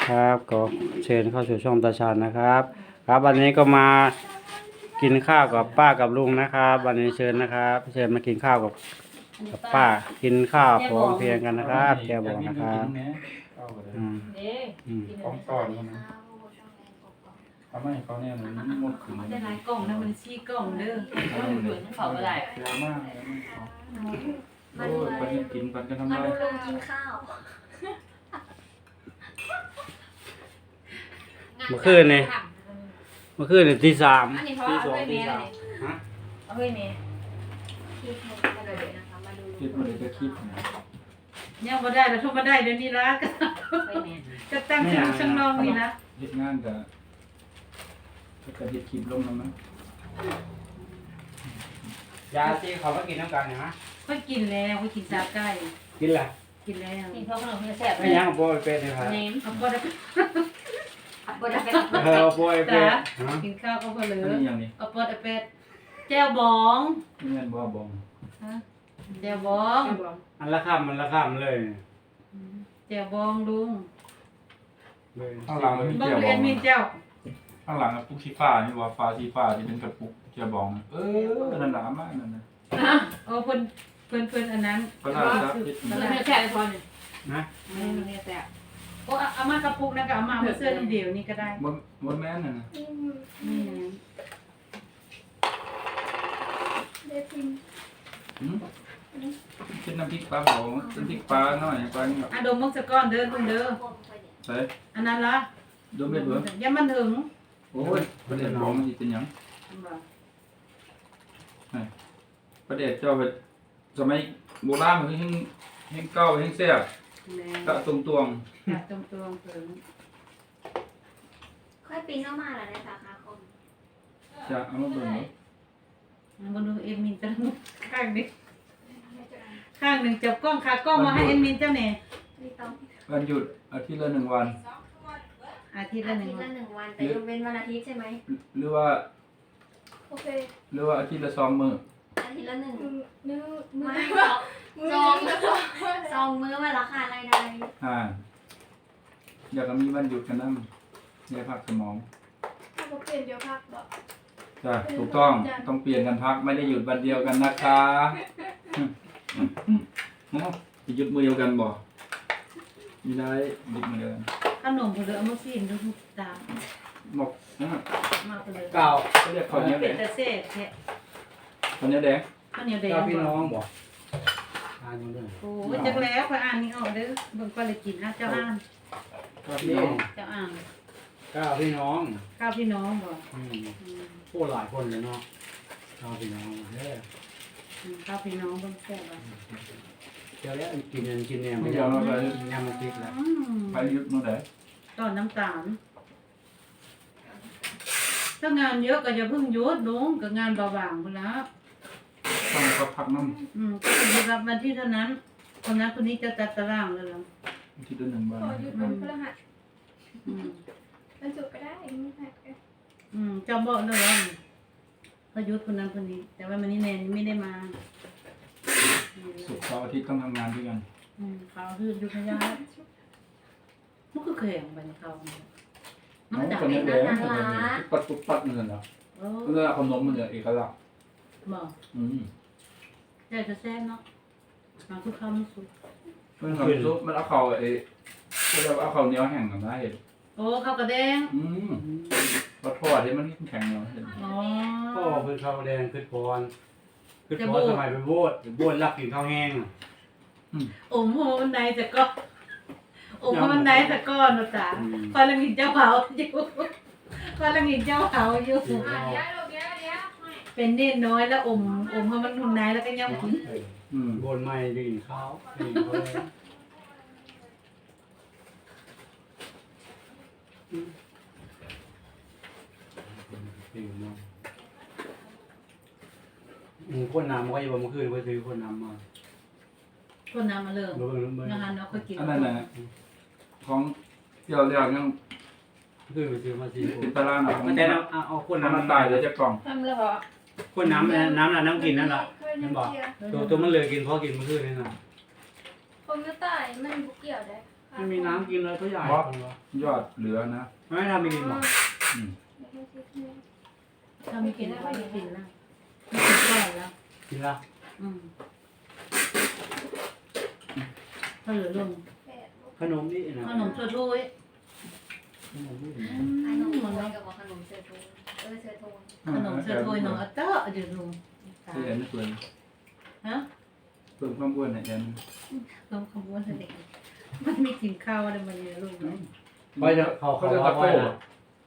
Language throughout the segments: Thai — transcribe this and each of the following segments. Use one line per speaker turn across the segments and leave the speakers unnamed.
ครับก็เชิญเข้าสู่ช่องตาชาญนะครับ ครับวันนี้ก็มากินข้าวกับป้ากับลุงนะครับวันนี้เชิญนะครับเชิญมากินข้าวกับป้ากินข้าวพร้อมเพรียงกันนะครับแกบอกนะครับอืม
เด้กิน
ของตอนนะทำให้เขาเนี่ยมันหมดขึ้น
ได้หลายกล่องนะมันชี้กล่องเด้อมันเหมือนเขาก็ได้
เยอะมากโอ้ยปันกินปันกันทำ
มา
ไร
ดูลุงกินข้าว
เมื่อคืนนี่ตีสาม
อันนี้เพราะ
ตี
เอา
สอง
ไป
ตี
เมย์
สา
เล
ม
ย
ฮะ
เอาไปเมย์
คิดให้กันเลยนะคะมาดู
คิดมาเลยจะคิดนะ
ยังบ่ได้แล้วทุกมาได้เดี๋ยวนี้ละไปเมย์จะตั้งชื่อช่างน้องนี่นะ
เฮ็ดงานกับเฮ็ดคลิปลงแล้วมั้ง
ยาที่เขามากินน้ำกันเห็นไหม
ค่อยกินแล้วค่อยกินซาไก่
กินแหละ
กินแล้ว
นี่เพราะขนมมันแซ่บ
ไม่ยังโปรยเป็ดเลยครับ
เน้น
เอาบ่ได้
บนเป็น
โปรยเป็ด
กินข้าวก็พอเหลื
อัน
อ
นี้อย่างนี้
เอาปอดเอาเป็ดแจ่วบอง
นี่เงินบ่บอง
ฮะแจ่วบอง
อันละคำเลย
แจ่วบองลุง
ข้างหลังมันมี
บอง
เกียร์บ
เรี
อย
น
ง
มีเจ้า
ข้างหลังปุ๊กสีฟ้านี่ว่าฟ้าสีฟ้าที่เป็นกระปุกเกียร์บองนั่นหนามากนั่นนะ
โอ้เพิ่นอันนั้น
ก็น่าจะคิด
มันไม่แซ่บเลยพอเนี่ย
นะ
มันไม่แซ่บ
โอ้เอามากระปุกนะก็เอามาเสื้อน้ำเดียวนี่ก็ได้
บ่แม่นน่ะนะ
นี่นะ
เด็ดพิม
คิดน้ำพริกปลาเผาน้ำพริกปลาหน่อยปลาแบบ
ดมมักสะก้อนเด้อลุงเด้อ
ใส่
อันนั้นละ
ดมเม็ดเบิ่ง
อย่ามันถึง
โอ้ยประเด็นบอกมันสิเป็นหยังประเด็นเจ้าไปสมัยโบราณมันคือแห้งเก่าแห้งแซ่บ
แม่
กะตรงตวง
จัดตรงๆถึง
ค่อยปิ้งเข้ามาแล้วในสาขาคม
จะเอามาเบิ่งเนาะ
บนดูเอ็มมินจะข้างนึงข้างหนึ่งจับกล้องขากล้องมาให้เอ็มมินเจ้าเนี่ย
นี่ต้อง
วันหยุดอาทิตย์ละ1 วัน
อาทิตย์ละ
อา
หนึ่
ทิ
ง
ตย์
วั
ละ
น
1 วันแต่ยกเว้นวันอาทิตย์ใช่ไหม
หรือว่า
โอเค
อาทิตย์ละ2 มื้อ
อาทิตย์ละ1
มื้อ
ไม่สองมื้อวันละค่ะรายได้
อยากจะมีวันหยุดกันนำได้พักสมอง
ถ้าผมเปลี่ยนเดี๋ยวพักบอก
จ้ะถูกต้องเปลี่ยนกันพักไม่ได้หยุดวันเดียวกันนะคะจะหยุดมื้อเดียวกันบ่มีได้หยุดมื้อเดียวกัน
ขนมผลเอามาซีนดูทุกตา
บอกนะ
มาไปเลย
เก่า
เขาเรียกข้าวเหนียวแด
เป็น
ง
แต่เซ่แท้
ข้าวเหนียวแดง
ข้าวเหนียวแดง
เจ้าพี่น้องบอกอ่านอยู่ด้วย
โอ้ยจักแล้วพออ่านนี่ออกเด้อเบิ่งก็เลยกินนะเจ้าอ่าน
เจ้าพี่น้อง
เจ้าอ่าน
เจ้าพี่น้อง
ข้าวพี่น้องบ่
พูดหลายคนเลยเนาะเจ้าพี่น้องเด้อ
ข้าวพี่น้องเบิ่งแซ่บอ่ะ
เจ้าแล้วกินเนี่ยไม่ยอมยำมาติดแล้ว
ไปหยุดมื้อใด
ตอนน้ำตาลถ้างานเยอะก็อย่าเพิ่งหยุดลุงก็งานเบาบางพุ่นละ
ต้องก็พักน้ำ
ก็จะรับวันที่เท่านั้นคนนั้นคนนี้จะจัดตารางเลยเหรอ
อาทิตย์ละ1 วัน
ขอหยุดวันพฤหัส
อืม
วันศุกร์ก็ได้ไม่หักกัน
จำบอกเลยว่าพยุทธ์คนนั้นคนนี้ แต่ว่ามันนี่แนนไม่ได้มา
ศุกร์เสาร์อาทิตย์ต้องทำงานด้วยกัน
เขาคือยุทธยามันก็เคยของไปเขามันจับ
ข้าวเหนียวแดงปัดปุ๊บปัดนั่นน่ะ
โอ้
เวลาขนมมันจะเอกลักษณ์
บอก
อืม
แต่จะแซ่บเนาะมาทุกคำไม่สุด
มันทำซุปมันเอาข้าวก็จะเอาข้าวเหนียวแห้งกันได้เห็น
โอ้ข้าวกระแดง
ปลาทอดที่มันแข็งเนาะเห็น
อ๋อ
ก็คือข้าวแดงคือพรสมัยไปโบสรับกินข้าวแห้ง
อมหัวบันไดแต่ก็อมหัวบันไดแต่ก้อนนะจ๊ะคอยละงินเจ้าเผาอยู่คอยละงินเจ้าเผาอยู่
เดี๋ยว
เป็นเน้นน้อยแล้วอมให้มันหุ่นไหนแล้วก็ย่ำกิน
บนไม่ดื่มข้าวดื่มเขาเลยคนน้ำก็ยังบ่คืนไปซื้อคนน้ำมา
คนน้ำมาเริ่ม
เบิ่ง
นะคะเนาะก็กิน
อันนั้นนะของเที่ยวเรียกยัง
คือไปซื้อมาซื้อ
ติดตารางของ
แต่เอาคน
น้ำ
น้ำ
มันตายเลยจะกล่อง
ทำแล้วเหรอ
คนน้ำน้ำกินนั่นแหละ
เคยน้ำเกลือ
ตัวมันเลยกินเพราะกินเมื่อคืนนี่นะ
ผมจะตายมันบุกเกี่ยวได้
ไม่มีน้ำกินเลยก็ใหญ่
ยอดเหลือนะ
ไม่ทำไม่กินหรอก
อืม
ถ้าไม่กินก็ไม่กินนะไม่กินก่อนแล้ว
กินละ
ถ้าเหลือลง
ขนมนี่นะ
ขนมถ้วย
ขนมนี่
ขนมโทนกับขนมเสือโทนเสือโทน
ขนมถ้วยหนอเต้ออยู่ลุง
ที่แอนไม่เปิด
ฮะ
เพิ่มความอ้วนให้แอน
ลงขบวนเด็กมันไม่กินข้าวอะไรมันเนี่ยลุง
ไปเถอะเขา
เขา
เขา
จะ
ว่า
ตะ
ไป
โก้
นะ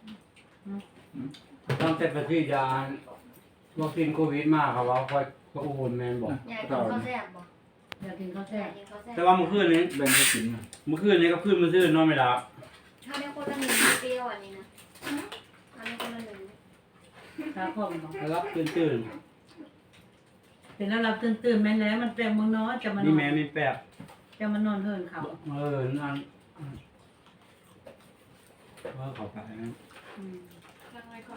ตั้งแต่ประเทศยาวัคซีนโควิดมาเขาว่าคอยก็อูนแมนบอก
อยากกินข้าวแซ่บบ่
อยากกินข้าว
อ
แซ่
ยา
บ
กกินข้าวแซ่บ
แต่ว่าเมื่อคืนนี้
แบ่งให้กินนะ
เมื่อคืนนี้ก็ขึ้นมาซื้อนอนไม่หลับ
ถ้าได้คนละหนึ่งเปรี้ยวอันนี้นะถ้าได้คนละหนึ่ง
ข้าวพอมบอก
แล้วรับตื่น
เป็นแล้วเราตื่นแม่แล้วมันแปลงเมืองน้อยจะมา
ๆ
น
นี่
อน
แม่มีแปบ
จะมานอนเฮินเขา
นั่นว่าเขาไปนะ
ตั้งไว้ก่อน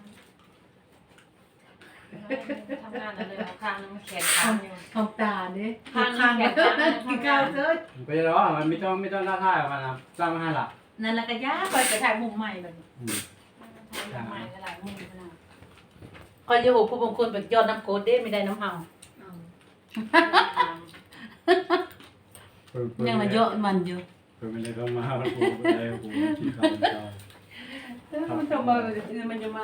ทำงานอะไรข้างนึงแขนขาอยู่
ของตาเด้
ข้าง
ข้าง
แข
กิ
นข้าง
นข้าวเด้อ
ไปแล้วมันไม่ต้องท้าทายกันนะสร้างมาให้ละ
นั่นแหละก็ยากไปถ่ายมุมใหม่เลย
ทำไมหลายมือขนาด
คอยโยโหผู้บางคนแบบยอดน้ำโกดเด้ไม่ได้น้ำเฮายังมาเยอะมันอยู่
ไม่ได้เข้ามาแล้วกูไม่ได้กูกินข้าวเจ้า
มันจะมามันจะมา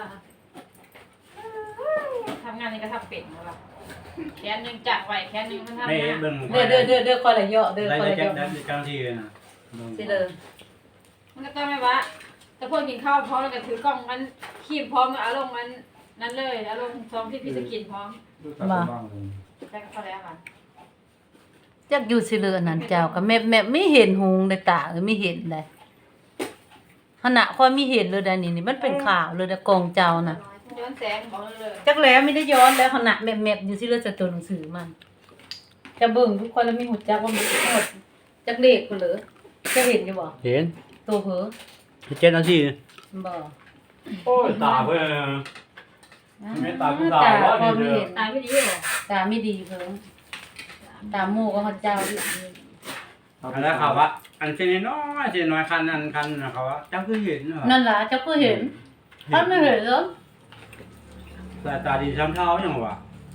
ทำงานนี่ก็ทำเป็ดแล้วล่ะแขนหนึ่งจับไว้แขนหนึ่งมันทำ
ไม่
งาน
เบิ่ง
เด้อคอยละเยอะเด้อ
ได้
คอยละ
แค่
เยอะ
ได้กลางที่เลยนะ
สิเลย
มันก็ต้องไม่ว่าแต่พวกกินข้าวพร้อมแล้วก็ถือกล้องมันขีบพร้อมอารมณ์มันนั่นเลยอารมณ์พร้อมที่พี่จะกินพร้อม
ดูตาบ้างเลย
แต่ก็พอแล้วค่ะ
จักอยู่สิเลยนั่นเจ้าก็แม่ไม่เห็นหงในตาไม่เห็นเลยขณะคอยไม่เห็นเลยดานี่มันเป็นข่าวเลยดกองเจ้าน่ะ
ย้อนแสงบอกเลย
จักแล้วไม่ได้ย้อนแล้วขณะแมบอยู่สิเลยจะตัวหนังสือมันจะเบิ่งทุกคนแล้วมีหูจักว่ามันหมดจักเลขกูเหรอจะเห็นอยู่บ่
เห็น
ตัวเผลอ
7 นาที
บ่
โอ้ยตาเพิ่น ไม่ตาผู้สาว
ตา
ว่า
พอ
ดี
ไม่
เด้อ
เห็น
ตายไม่ดีหรอ
ตาไม่ดีเพิ่งตาหมู่ก็เขาเจ้าอีก
อันนั้นเขาว่าอันเช่นน้อยเช่นน้อยคันนั้นคันนะเขาว่าเจ้าคือเห็นเหรอ
นั่นล่ะเจ้าก็เห็นท่านไม่เห็นเหรอ
สายตาดีช้ำเท้าอย่างวะ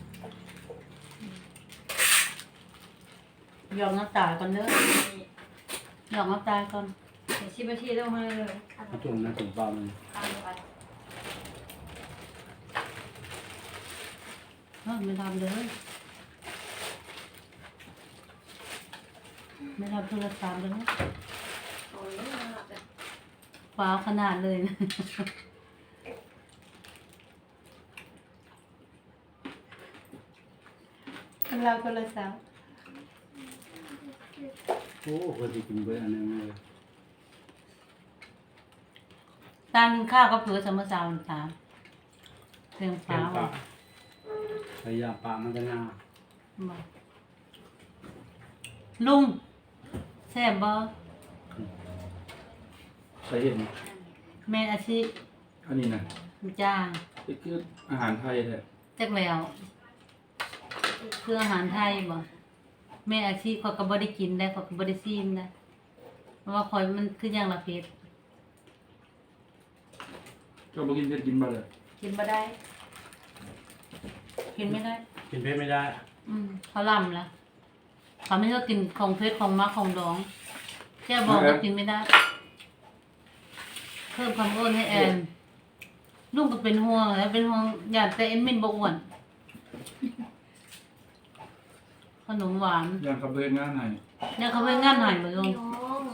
ยอมน้ำตาก่อนเด้อยอมน้ำตาก่อน
ชิบะชีต้องมาเลย
มาจุ่มนะจุ่มปลามัน
ตามไป
ไม่ทำเลยไม่ทำโทรศัพท์เลยนะ
โอ้ยน่ารักเลย
ฟ้าวขนาดเลยนะเราโทรศัพท์
โอ้คนที่กินเบอร์อันนึงเลย
ตามกินข้าวก็เผื่อสมสาวตามเพียง
เข็
ฟ้าม ว
ปลาพยายามปลามันจะน่า
บ่ลุงแซ่บบ่
ใส่เห็น
แม่นอาชีพ
อันนี้นะ
จ้าง
นี่คืออาหารไทยแท้
จักแล้วคืออาหารไทยบ่แม่อาชีพเขาก็บ่ได้กินได้เขาก็บ่ได้ซีมได้เพราะว่าคอยมันคืออย่างละเผ็ด
ก็บ่กินเผ็ดกินบ่เลย
กินบ่ได้ กินไม่ได้
กินเผ็ดไม่ได้
เขาล่ำแล้วเขาไม่ชอบกินของเผ็ดของมักของดองแค่บอกว่ากินไม่ได้ เพิ่มความอ้วนให้แอนลุงก็เป็นห่วงแล้วเป็นห่วงอยากแต่เอ็มมินบ่อ้วนขนมหวาน
อย่างขับเดินงานไหน
เนี่ยเขาไปงานหายมาลง
น้อง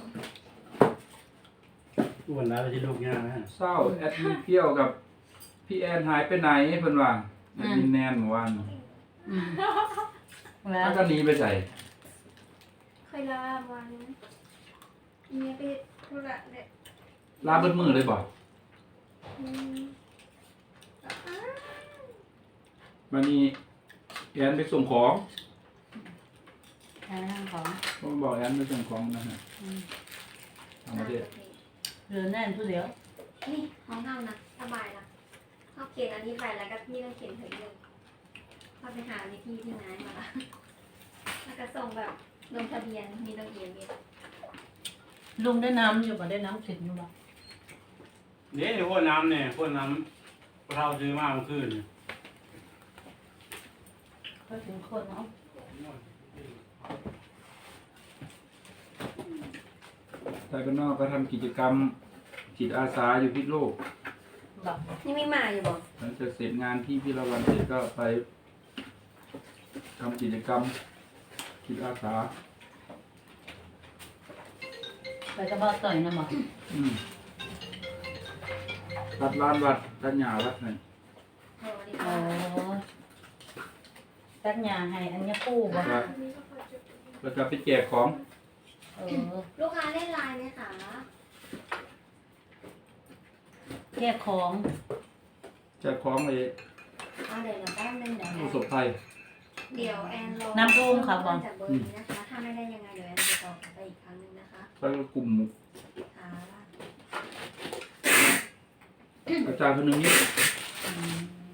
อ้วนแล้วไปที่ลูกยากนะ
เศร้าแอดมินเพี้ยวกับพี่แอนหายไปไหนเพิ่นว่าแอดมินแนนเมื่อวาน
อืมแล้ว
แล้วก็หนีไปใส่
เคยลาวันเนี่ยไปธุระเนี่ย
ลาเบิดมือเลยบ่
อืม
วันนี้แอนไปส่งของ
ใช่ของ
ผมบอกแอนไปส่งของนะฮะต่างประเทศ
เหลือแน่นผู้เดียว
นี่ห้องเฮานะสบายนะเขาเขียนอันนี้ไปแล้วก็พี่ต้องเขียนเถอะเลยเขาไปหาวิธีที่ไหนมาละแล้วก็ส่งแบบลงทะเบียนมีลงเอียนมี
ลุงได้น้ำอยู่บ่ได้น้ำถึงอยู่บ่
นี่พวกน้ำเนี่ยพวกน้ำเราซื้อมาเมื่อคืน
ก็ถึงคนเนาะ
แต่ก็นอกก็ทำกิจกรรมจิตอาสาอยู่พิษโลก
บ่
นี่ไม่มาอยู่บ่
หลังจากเสร็จงานที่พิรวันเสร็จก็ไปทำกิจกรรมจิตอาสา
ไปกับบ่าวต่อยนะบ่
รัดร้านวัดรัดหยาวัดไหน
สวัสดี
โอ้
ค่ะ
ตัดหญ้าให้อันนี้ปูบ่
แล้วก็ไปแจกของ
เออ
ลูกค้าเล่นไลน์ไหมคะ
แยกของ
แจกของเลย
เดี๋ยวแป๊บนึงเดี๋ยว
ผู้ประสบภัย
แอนรอ
น้ำท่วมค่ะบ่
จากเบอร์นี้นะคะ ถ้าไม่ได้ยังไงเดี๋ยวแอนจะตอบไปอีกครั้งนึงนะคะ
แล้วก็กลุ่ม
ค่ะ
อาจารย์คนหนึ่งนี่
อืม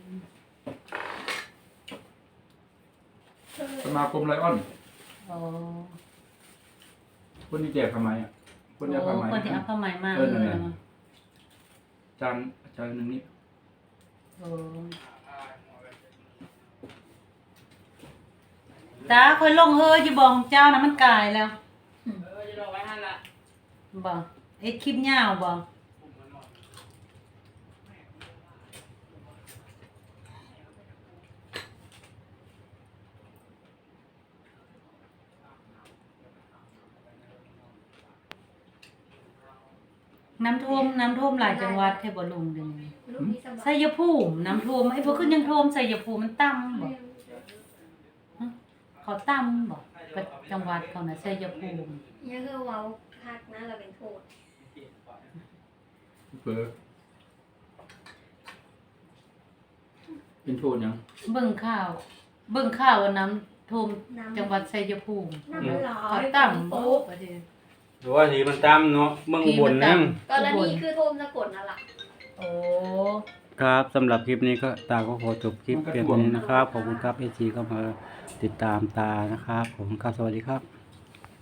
สมาคมไลออน
โอ้
คนที่แจกทำไมอ่ะคนที่
โอ้
ทำไม
คนที่เอาผ้าไหมมา
เออนั่น
เล
แห
ย
ละ
มา
อาจารย์คนหนึ่งนี่
โอ้ตาค่อยลงเฮออยู่บ่ของเจ้านะมันกลายแล้ว
จะรอไว้หั่นล่ะ
บ่เอ็ดคลิปยาวบ่น้ำท่วมหลายจังหวัดแท้บ่ลุงเดี๋ยวนี้
ลูกพี่สบา
ชั
ย
ยภูมิน้ำท่วมไอ้บ่ขึ้นยังท่วมชัยภูมิมันต่ำบ่เขาต่ำบ่ประจังหวัดเขาน่ะชัยภูมิ
ยังคือเว้าพักนะเราเป็นโทษ
เผลอเป็นโทษยัง
เบิ่งข่าวว่าน้ำท่วมจังหวัดชัยภูมิ
น้ำมันร้อ
เขา
น
ต่ำบ่ประเดี๋ยว
หรือว่าสีมันตามเนาะเมืองอุบลนั่ง
กรณีคือโทมสะกดนั่นแหละ
โอ้
ครับสำหรับคลิปนี้ก็ตาก็ขอจบคลิปเพียงเท่านี้นะครับ ขอบคุณครับเอจีก็มาติดตามตานะครับขอบคุณครับสวัสดีครับ